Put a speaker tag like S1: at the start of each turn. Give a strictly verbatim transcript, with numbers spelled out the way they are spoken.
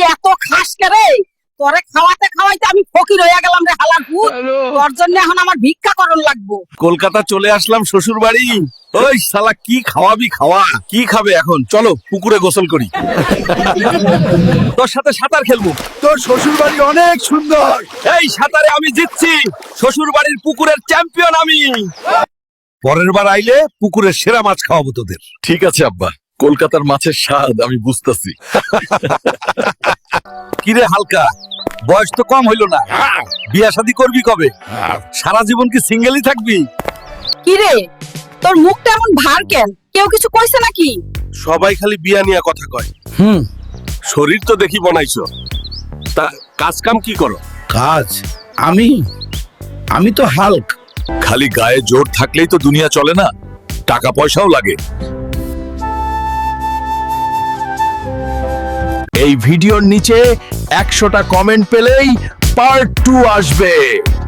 S1: এত খাস রে? তোরে খাওয়াতে খাওয়াইতে আমি ফকির হয়ে গেলাম রে হালার ভূত। তোর জন্য এখন আমার ভিক্ষা করণ লাগবো।
S2: কলকাতা চলে আসলাম শ্বশুর বাড়ি। ওই শালা কি খাওয়াবি খাওয়া, কি খাবে এখন? চলো পুকুরে গোসল করি। তোর সাথে সাঁতার খেলবো।
S3: তোর শ্বশুর বাড়ি অনেক সুন্দর।
S2: এই সাঁতারে আমি জিতছি, শ্বশুর বাড়ির পুকুরের চ্যাম্পিয়ন আমি।
S3: পরের বার আইলে পুকুরের সেরা মাছ খাওয়াবো তোদের।
S2: ঠিক আছে আব্বা, কলকাতার মাছের স্বাদ আমি বুঝতেছি। কিরে হালকা, বয়স তো কম হইল না, বিয়া শাদী করবি কবে? সারা জীবন কি সিঙ্গেলই থাকবি?
S1: কি রে, তোর মুখটা এমন ভার কেন? কেউ কিছু কইছে নাকি?
S2: সবাই খালি বিয়া নিয়ে কথা কয়।
S3: হুম,
S2: শরীর তো দেখি বনাইছো, তা কাজ কাম কি করো?
S3: কাজ আমি আমি তো হাল্ক।
S2: খালি গায়ে জোর থাকলেই তো দুনিয়া চলে না, টাকা পয়সাও লাগে। এই ভিডিওর নিচে একশোটা কমেন্ট পেলেই পার্ট টু আসবে।